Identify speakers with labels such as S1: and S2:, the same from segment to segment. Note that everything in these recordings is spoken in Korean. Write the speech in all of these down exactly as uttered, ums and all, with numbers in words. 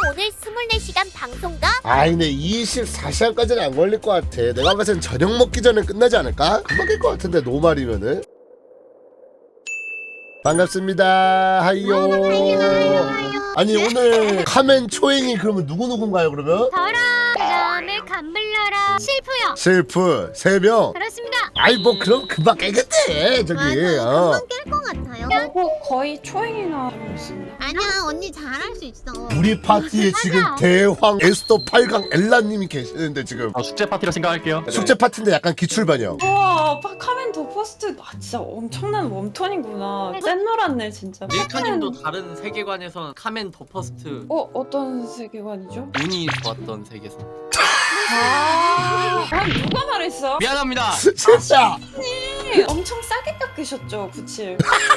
S1: 오늘 이십사 시간 방송가?
S2: 아이 근데 이십사 시간까지는 안 걸릴 것 같아. 내가 봤을 땐 저녁 먹기 전에 끝나지 않을까? 금방 깰 것 같은데 노말이면은. 반갑습니다. 하이요. 아니 오늘 카멘 초행이 그러면 누구누군가요 그러면?
S1: 저랑 그다음에 감블러랑 실프요.
S2: 실프 세 명.
S1: 그렇습니다.
S2: 아이 뭐 그럼 금방 깨겠대 저기. 어.
S3: 금방 깰 것 같아요.
S4: 저거 거의 초행이나 있습니다.
S3: 아니야 언니 잘할 수 있어.
S2: 우리 파티에 지금 대황 에스더 팔 강 엘라님이 계시는데 지금
S5: 아, 숙제 파티라 생각할게요.
S2: 숙제 파티인데 약간 기출반영.
S4: 우와, 카멘 더 퍼스트. 아 진짜 엄청난 웜톤이구나. 짠노랗네 진짜.
S6: 밀카님도 다른 세계관에선 카멘 더 퍼스트
S4: 어 어떤 세계관이죠?
S6: 운이 좋았던 세계선.
S4: 아, 아 누가 말했어?
S6: 미안합니다.
S2: 진짜.
S4: 네, 엄청 싸게 깎으셨죠, 구칠.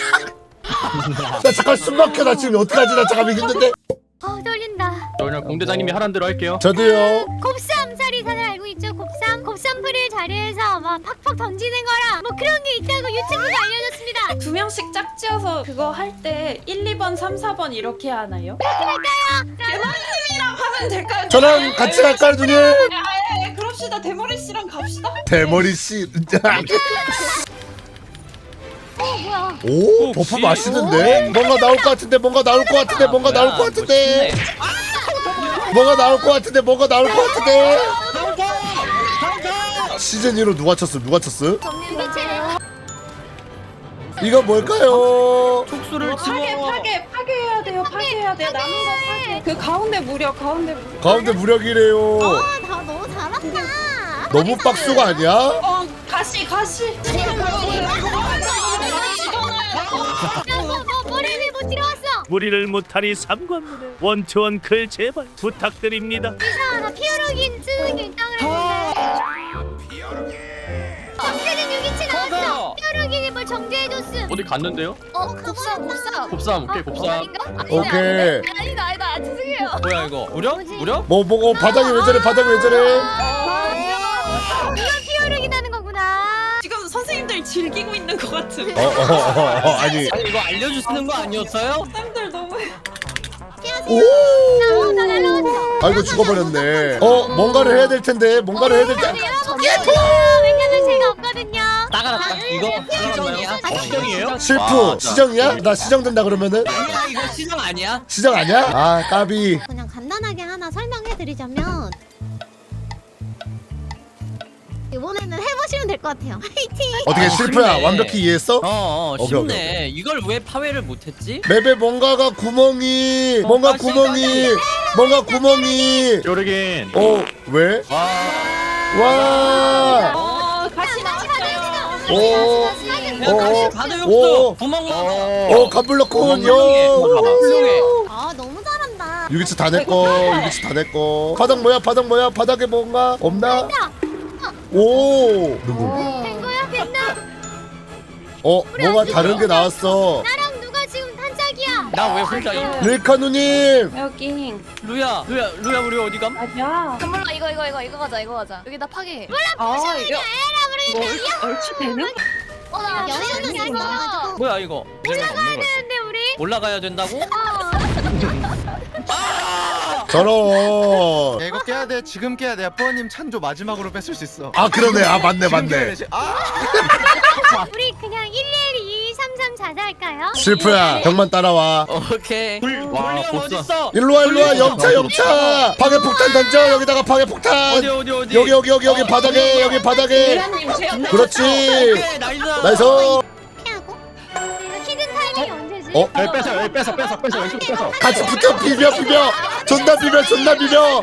S2: 나 잠깐 숨 막혀. 나 지금 어떡하지? 나 잠깐만 힘든데.
S1: 어 떨린다.
S5: 저 그냥 공대장님이 하란 대로 할게요.
S2: 저도요.
S1: 곱삼 사리산을 알고 있죠? 곱삼? 곱삼풀을 자리에서 막 팍팍 던지는 거랑 뭐 그런 게 있다고 유튜브에 알려졌습니다.
S4: 두 명씩 짝지어서 그거 할 때 일, 이 번, 삼, 사 번 이렇게 하나요?
S1: 그렇게 할까요?
S4: 대머리님이랑 하면 될까요?
S2: 저랑 같이 갈까요 누님?
S4: 아, 예, 예, 그럽시다. 대머리 씨랑 갑시다.
S2: 대머리 씨.
S1: 어 뭐야?
S2: 오 버프 맛있는데? 뭔가 나올 것 같은데 뭔가 나올 것 같은데 뭔가 나올 것 같은데 뭔가 나올 것 같은데 뭔가 나올 것 같은데 시즌 이로 누가 쳤어 누가 쳤어?
S1: 유기체네.
S2: 이거 뭘까요?
S6: 촉수를
S4: 파괴,
S6: 집어.
S4: 파괴, 파괴해야 돼요. 파괴해야 돼. 남은 거 파괴. 그 가운데 무력, 가운데 무력.
S2: 가운데 무력이래요.
S3: 다 너무 잘한다.
S2: 너무 빡수가 아니야?
S4: 어, 가시, 가시.
S1: 야뭐 뭐 머리를 못 들어왔어.
S7: 무리를 못하니 삼관문에 원투원클 제발 부탁드립니다.
S1: 이사 나 피어로긴 쓰는 게 있다 그랬는데. 정제된 유기체 나왔어. 피어로긴이 뭘 정제해줬음.
S5: 어디 갔는데요?
S1: 어 곱삼 곱삼.
S5: 곱삼, 오케이, 곱삼.
S1: 아닌가?
S2: 오케이.
S1: 아니다 아니다 죄송해요.
S6: 뭐야 이거? 무력?
S1: 뭐지?
S6: 무력?
S2: 뭐 뭐고 바닥이 왜 저래 바닥이 왜 저래?
S1: 이건 피어로긴 하는 거구나.
S4: 지금 선생님들 즐기고 있는 것 같은.
S2: 어어어 어, 아니.
S6: 아니 이거 알려주시는 거 아니었어요?
S4: 선생님들 너무.
S2: 오.
S1: 나 날라왔어.
S2: 아이고 죽어버렸네. 어 뭔가를 해야 될 텐데 뭔가를 해야 될 텐데.
S1: 왜냐면 제가 없거든요.
S6: 나가라. 이거 시정이야?
S5: 시정이에요?
S2: 실프 시정이야? 나 시정된다 그러면은?
S6: 아니야 이거 시정 아니야?
S2: 시정 아니야? 아 까비.
S3: 그냥 간단하게 하나 설명해드리자면 이번에는 해보시면 될 것 같아요. 화이팅!
S2: 어떻게
S6: 아,
S2: 실프야
S6: 쉽네.
S2: 완벽히 이해했어?
S6: 어어
S2: 오케이,
S6: 쉽네. 이걸 왜 파회를 못했지?
S2: 맵에 뭔가가 구멍이
S6: 어,
S2: 뭔가
S6: 아,
S2: 구멍이 뭔가 구멍이
S5: 요르긴.
S2: 어 왜?
S6: 와.
S2: 와.
S4: 어, 가시 나왔어요.
S2: 오.
S6: 그냥
S2: 어,
S6: 가시 가득
S2: 오.
S6: 없어. 구멍 넣어.
S2: 어 감블럭군
S6: 훌륭해.
S2: 요.
S6: 훌륭해.
S3: 아 너무 잘한다.
S2: 유기치 다 내꺼 유기치 다 내꺼. 바닥 뭐야 바닥 뭐야 바닥에 뭔가 없나? 오 누구?
S1: 된 거야? 됐나?
S2: 어 뭐가 다른 게 나왔어.
S1: 나랑 누가 지금 한짝이야?
S6: 나 왜 혼자 이
S2: 릴카 누님.
S4: 여기.
S6: 루야 루야 루야 우리 어디 감?
S4: 아니야.
S8: 몰라 이거 이거 이거 이거 가자 이거 가자 여기다 파괴
S4: 아, 이거. 뭐, 얼추 되는?
S1: 어나
S3: 여유는 있어가지고
S6: 뭐야 이거? 올라가야
S1: 근데 우리
S6: 올라가야 된다고?
S2: 저런.
S9: 야, 이거 깨야 돼. 지금 깨야 돼. 뽀님 찬조 마지막으로 뺏을 수 있어.
S2: 아 그러네. 아 맞네
S9: 지금 깨야
S2: 맞네.
S9: 돼, 지- 아!
S1: 우리 그냥 일 일 이 삼 삼 자자 할까요?
S2: 실프야 형만 따라와.
S6: 오케이.
S5: 와,
S6: 돌리면
S5: 보스.
S6: 어딨어?
S2: 일로와 일로와 영차 영차. 파괴 폭탄 던져 여기다가 파괴 폭탄.
S6: 어디 어디 어디?
S2: 여기 여기 여기 여기 바닥에 여기 바닥에.
S4: 유라님 제가
S2: 그렇지.
S6: 오케이 나이스.
S2: 나이스.
S3: 피하고
S1: 이거 히든 타이밍이 언제지?
S2: 어?
S5: 여기 뺏어, 여기 뺏어, 뺏어, 뺏어, 왼쪽 뺏어.
S2: 같이 붙어 비벼 비벼. 존나 비벼 존나 비벼.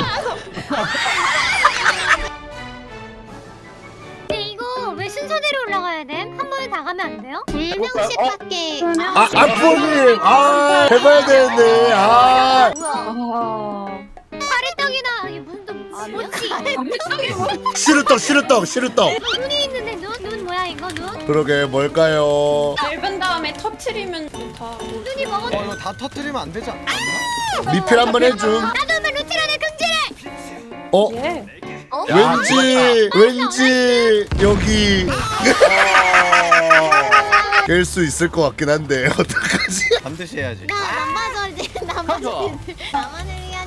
S1: 근데 이거 왜 순서대로 올라가야 돼? 한 번에 다 가면 안 돼요?
S3: 두 명씩밖에
S2: 아 아프님. 아 해봐야 되는데. 아.
S4: 아.
S1: 가래떡이나 이게 무슨 또 뭐지?
S2: 시루떡 시루떡 시루떡.
S1: 눈이 있는데 눈? 눈 뭐야 이거 눈?
S2: 그러게 뭘까요?
S4: 얇은 다음에 터트리면 다.
S1: 눈이 먹었
S9: 어, 이거 다 터뜨리면 안 되지 않나?
S2: 리필 한번 해줌.
S1: 나도 한번 루티라는 금지를!
S2: 어?
S4: 예.
S2: 왠지 왠지 여기 깰 수 있을 것 같긴 한데 어떡하지?
S9: 반드시 해야지.
S3: 나 남바절지 남바절지 나만을 위한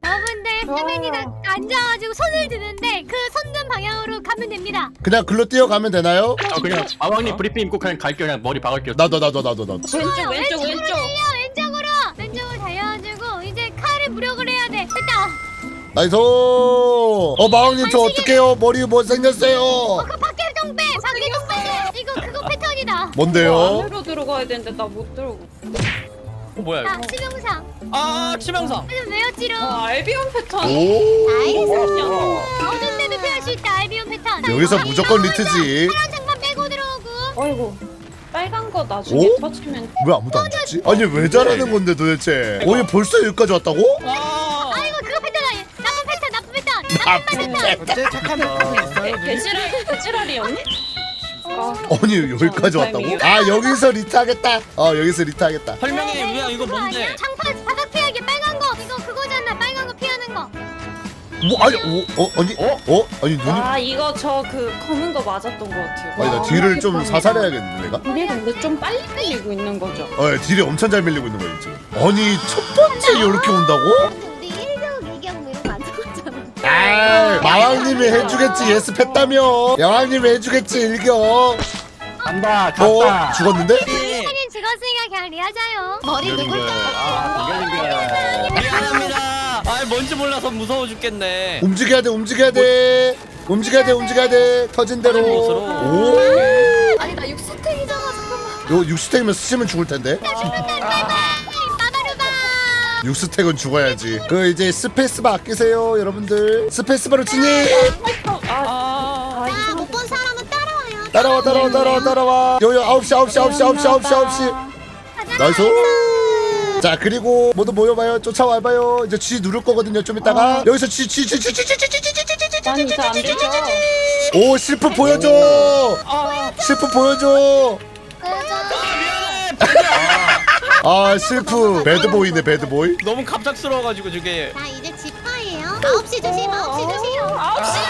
S1: 여러분들 세맨이가 앉아가지고 손을 드는데 그 손든 방향으로 가면 됩니다.
S2: 그냥 글로 뛰어가면 되나요?
S5: 아 그냥 마왕님 브리핑 입고 그냥 갈게요. 그냥 머리 박을게요.
S2: 나도 나도 나도 나도.
S4: 왼쪽 왼쪽
S1: 왼쪽으로
S4: 왼쪽.
S1: 달려 왼쪽으로 왼쪽으로 달려가지고 이제 칼을 무력을 해야 돼. 됐다.
S2: 나이스. 어 마왕님 저 어떡해요? 머리 뭐 생겼어요?
S1: 어, 그 밖에 좀 빼. 밖에 좀 빼. 이거 그거 패턴이다.
S2: 뭔데요?
S4: 안으로 들어가야 되는데 나 못 들어가.
S6: 어 뭐야
S1: 자
S6: 이거?
S1: 치명상.
S6: 아 치명상.
S1: 좀 외웠지롱.
S4: 아 알비온 패턴.
S2: 오.
S3: 나이스.
S1: 어둠 때도 피할 수 있다. 알비온 패턴.
S2: 여기서 무조건 리트지.
S1: 파란 장만 빼고 들어오고.
S4: 어이구 빨간 거 나중에
S2: 오?
S4: 터치면.
S2: 왜 아무도 안 죽지? 아니 왜 잘하는 건데 도대체? 어얘 벌써 여기까지 왔다고?
S6: 아.
S1: 아이고 그거 패턴 아니. 나쁜 패턴 나쁜 패턴. 나쁜 패턴.
S9: 어째 착한 패턴이 있어요 누님?
S4: 개지랄 개지랄이었니? 아,
S2: 아니 여기까지 왔다고? 아 여기서 리트하겠다. 어 여기서 리트하겠다.
S6: 설명해 유야 이거
S1: 그거
S6: 뭔데?
S1: 아니야? 장판 바닥 피하기 빨간 거. 이거 그거잖아. 빨간 거 피하는 거.
S2: 뭐 아니 어, 어 아니 어? 어? 아니 누님
S4: 아 이거 저 그 검은 거 맞았던 것 같아요.
S2: 아니 나 딜을 좀 사살해야겠는데 내가?
S4: 우리 근데 좀 빨리 끌리고 있는 거죠.
S2: 어 딜이 엄청 잘 밀리고 있는 거야 지금. 아니 첫 번째 이렇게 온다고?
S3: 근데 우리 일 경, 이 경 뭐 이런 거안 적었잖아.
S2: 아 마왕님이 해주겠지 예습했다며. 마왕님이 해주겠지 일경.
S5: 간다
S2: 어?
S5: 갔다.
S2: 죽었는데?
S1: 사진 찍었으니까 그냥 리하자요.
S3: 머리 누굴까?
S5: 아 이겨진
S6: 미안합니다. 아 뭔지 몰라서 무서워 죽겠네.
S2: 움직여야 돼 움직여야 돼 움직여야 돼 움직여야 돼 터진 대로.
S6: 곳으로.
S2: 오.
S8: 아니 나 육수탱이잖아 잠깐만.
S2: 요 육스택이면 스치면 죽을 텐데.
S1: 빠바루바.
S2: 육스택은 죽어야지. 그 이제 스페이스바 아끼세요 여러분들. 스페이스바로 진입.
S4: 아,
S6: 아.
S4: 아 이거
S3: 못 본 사람은 따라와요.
S2: 따라와 따라와 따라와 따라와. 요요 아홉 시 아홉 시 아홉 시 아홉 시 아홉 시 아홉 시. 나이스. 자 그리고 모두 모여봐요. 쫓아와봐요. 이제 G 누를 거거든요 좀 이따가. 여기서 G G G G G G G G G G G
S4: 난 이제 안 되죠.
S2: 오 실프 보여줘. 실프 보여줘. 아 실프 배드보이네 배드보이.
S6: 너무 갑작스러워가지고 저게.
S3: 자 이제 집파예요. 아홉 시 조심, 아홉 시 조심.
S4: 아홉 시.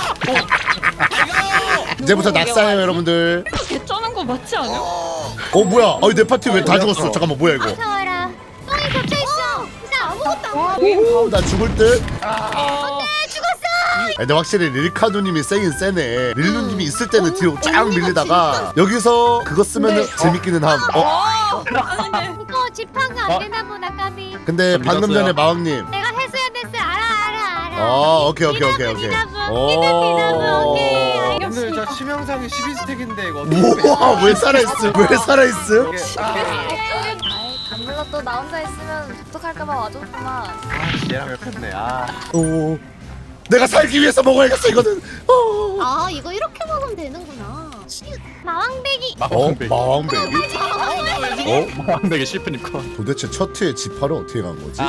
S2: 이제부터 낙사해요 여러분들.
S4: 개쩌는 거 맞지 않아?
S2: 어 뭐야? 아니 내 파티 왜 다 죽었어? 잠깐만 뭐야 이거?
S1: 무서워라. 똥이 겹쳐 있어. 진짜 아무것도 안
S2: 오, 나 죽을 듯.
S6: 아.
S1: 죽었어.
S2: 근데 확실히 릴카누님이 세긴 세네. 릴루님이 있을 때는 뒤로 쫙 밀리다가 여기서 그거 쓰면은 재밌기는 함. 어?
S1: 이거 집하가 안 되나 보다 까비.
S2: 근데 방금 전에 마왕님.
S1: 내가 했어야 됐어. 알아 알아 알아.
S2: 어 오케이 오케이 오케이 오케이. 오.
S9: 오늘 저 치명상이 십이 스택인데 이거 어떻게
S2: 우와 왜 살아있음? 왜 살아있음?
S8: 감물러 또 나 혼자 있으면 독특할까봐 와줬구만.
S9: 얘랑 옆였네 아
S2: 오. 내가 살기 위해서 먹어야겠어 이거는. 어.
S3: 아 이거 이렇게 먹으면 되는구나.
S1: 마왕배기.
S2: 어? 마왕배기? 어?
S5: 마왕되게 실패님 거.
S2: 도대체 첫 회에 지파를 어떻게 간 거지?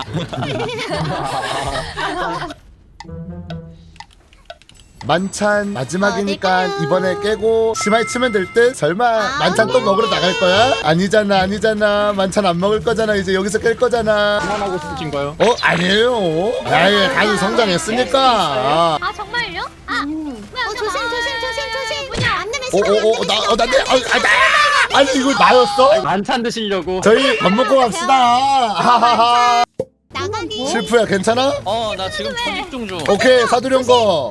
S2: 만찬 마지막이니까
S3: 어, 네,
S2: 이번에 깨고 심하게 치면 될 듯? 설마
S3: 아,
S2: 만찬 또 먹으러 나갈 거야? 아니잖아 아니잖아 만찬 안 먹을 거잖아 이제 여기서 깰 거잖아.
S5: 그만하고 싶으신가요?
S2: 어? 아니에요. 나의 간이 성장했으니까. 아.
S1: 아 정말요? 아. 뭐야,
S3: 어 조심 조심 조심 조심.
S1: 뭐냐?
S3: 안 되면 시간 안
S2: 오오오
S3: 되면
S2: 나
S3: 시간
S2: 어, 나, 내, 아, 아, 나, 아니 이거 나였어?
S5: 만찬 드시려고.
S2: 저희 밥 먹고 갑시다. 하하하.
S3: 나가기.
S2: 실프야 괜찮아?
S6: 어 나 지금 초집중 중.
S2: 오케이 사두령 거.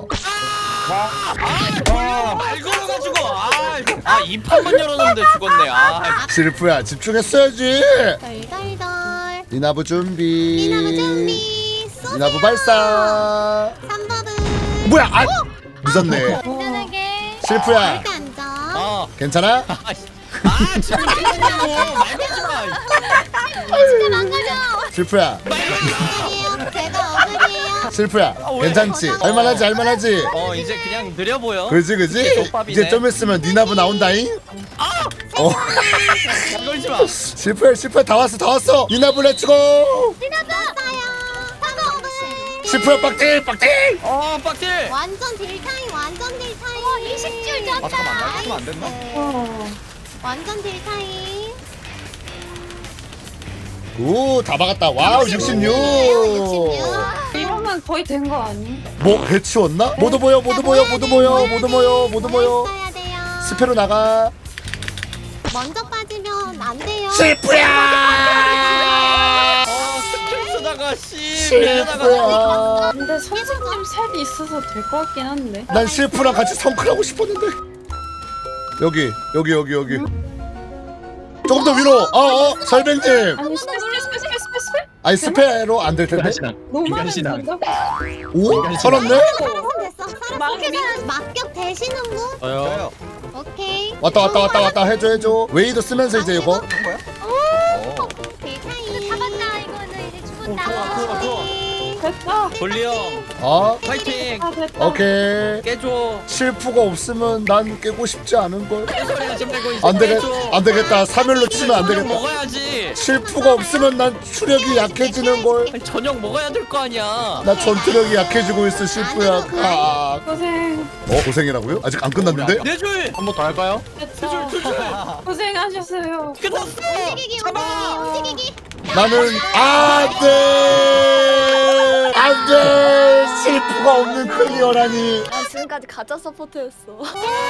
S6: 말 걸어가지고. 아 이 판만 열었는데 죽었네. 아.
S2: 실프야 집중했어야지.
S3: 덜덜덜.
S2: 니나부 준비.
S3: 미나무 준비. 쏘세요.
S2: 니나부 발사.
S3: 삼 번은
S2: 뭐야? 아 늦었네.
S1: 안전하게.
S2: 실프야
S3: 절대 앉아.
S6: 아.
S2: 괜찮아?
S6: 아 지금 깨졌냐고. 말 걸지 마.
S1: 진짜 망가져.
S2: 실프야
S3: 어글이에요. 제가 어글이에요.
S2: 실프야 괜찮지? 할만하지 할만하지?
S6: 어 이제 그냥 느려 보여.
S2: 그지 그지?
S6: 족밥이네.
S2: 이제 좀 있으면 니나부 나온다잉? 어
S6: 말 걸지 마.
S2: 실프야 실프야 다 왔어 다 왔어 니나부 렛츠고.
S3: 왔어요. 삼 번은
S2: 실프야 빡딜 빡딜.
S6: 어 빡질.
S3: 완전 딜타임 완전 딜타임.
S1: 어, 이십 줄 졌다.
S9: 아 잠깐만 나 했으면 안 됐나?
S3: 완전 딜타임.
S2: 오 다 박았다. 와우 육십육.
S4: 이러면 거의 된 거 아니?
S2: 뭐 해치웠나? 모두 모여 모두 모여 모두 모여 모두 모여 모두 모여.
S3: 써야 돼요.
S2: 스페로 나가.
S3: 먼저 빠지면 안 돼요.
S2: 실프야.
S6: 어 스킬 쓰다가 씨.
S2: 실프야.
S4: 근데 선생님 셋이 있어서 될 것 같긴 한데.
S2: 난 실프랑 같이 성클하고 싶었는데. 여기 여기 여기 여기. 조금 더 위로. 어어 설백님.
S4: 아니 스페 스페 스페 스페 스페 스페.
S2: 아니 스페로 안 될 텐데.
S4: 너무 많은
S5: 인간신앙.
S4: 건가?
S2: 오 살았네.
S3: 살았어 됐어. 살았어.
S4: 마음이-
S3: 막격 되시는 분?
S6: 저요.
S3: 오케이.
S2: 왔다 왔다 왔다 왔다 해줘 해줘. 웨이도 쓰면서 이제 이거.
S9: 한 거야?
S3: 대타이.
S1: 잡았다 이거는 이제 죽었다.
S6: 좋아, 좋아.
S4: 됐다.
S6: 돌리 형
S2: 어
S6: 파이팅.
S4: 아 됐다.
S2: 오케이.
S6: 깨줘.
S2: 실프가 없으면 난 깨고 싶지 않은 걸.
S6: 소리 하지 말고 이제
S2: 안 되겠
S6: 깨줘.
S2: 안 되겠다. 삼 일로 치면 안
S6: 저녁
S2: 되겠다.
S6: 먹어야지.
S2: 실프가 없으면 난 추력이 약해지는 걸.
S6: 아니, 저녁 먹어야 될 거 아니야.
S2: 나 전투력이 약해지고 있어 실프야. 아.
S4: 고생
S2: 어 고생이라고요? 아직 안 끝났는데?
S6: 네 줄.
S5: 한 번 더 할까요?
S4: 됐다. 고생하셨어요.
S6: 끝났어.
S3: 움직이기 움직이기 움직이기.
S2: 나는 안돼 안돼 실프가 없는 클리어라니.
S8: 아 지금까지 가짜 서포트였어.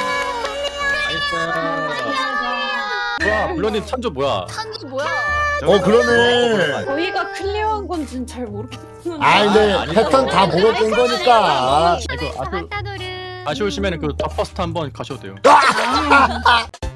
S5: 뭐야 블러님 찬조 뭐야?
S8: 찬조 뭐야?
S2: 어 그러네.
S4: 저희가 클리어한 건지는 잘 모르겠는데.
S2: 아 근데
S5: 아, 아니죠.
S2: 패턴 다 보고 깬 거니까.
S5: 이거 아쉬,
S1: 잡았다 노를.
S5: 아쉬우시면 그 더 퍼스트 한번 가셔도 돼요.
S4: 아,